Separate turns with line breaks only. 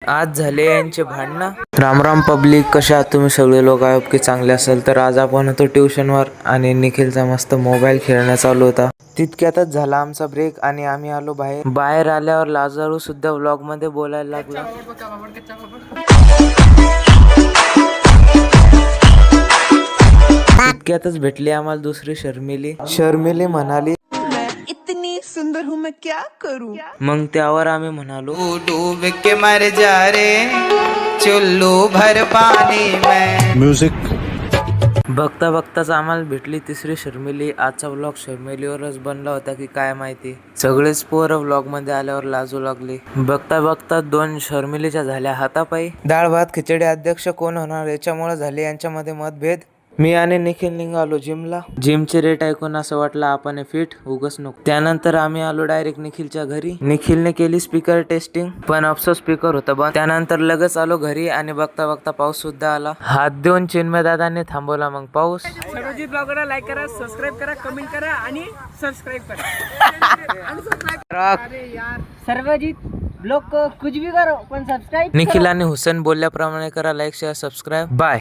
आज झाले यांचे भांडणं. राम राम पब्लिक, कशा आहात तुम्ही सगळे लोक? आहोत की चांगले असेल तर आज आपण होतो ट्युशनवर आणि निखिलचा मस्त मोबाईल खेळणं चालू होता. तितक्यातच झाला आमचा ब्रेक आणि आम्ही आलो बाहेर आल्यावर लाजारू सुद्धा व्लॉग मध्ये बोलायला लागला. तितक्यातच भेटली आम्हाला दुसरी शर्मिली म्हणाली,
इतनी सुंदर हूँ मैं क्या करूँ.
मग त्यावर आम्ही म्हणालो,
डूब के मर जा रे चुल्लू भर पानी में.
म्युझिक.
बघता बघताच आम्हाला भेटली तिसरी शर्मिली. आजचा व्लॉग शर्मिलीवरच बनला होता की काय माहिती. सगळेच पोरं व्लॉग मध्ये आल्यावर लाजू लागली. बघता बघता 2 शर्मिलीच्या झाल्या हातापायी. डाळ भात खिचडी अध्यक्ष कोण होणार याच्यामुळे झाले यांच्यामध्ये मतभेद. मी आणि निखिल निघालो जिमला. जिमचे रेट ऐकून असं वाटलं आपण फिट उगच नको. त्यानंतर आम्ही आलो डायरेक्ट निखिलच्या घरी. निखिलने केली स्पीकर टेस्टिंग पण अफसोस स्पीकर होता बंद. त्यानंतर लगेच आलो घरी आणि बघता बघता पाऊस सुद्धा आला. हात देऊन चिन्मय दादाने थांबवला मग पाऊस.
सर्वजित ब्लॉगरला लाईक करा, सबस्क्राईब करा, कमेंट करा आणि सबस्क्राईब करा. अरे यार, सर्वजित ब्लॉग को कुछ भी करो पण सबस्क्राईब.
निखिल आणि हुसेन बोलल्याप्रमाणे करा लाईक शेअर सबस्क्राईब. बाय.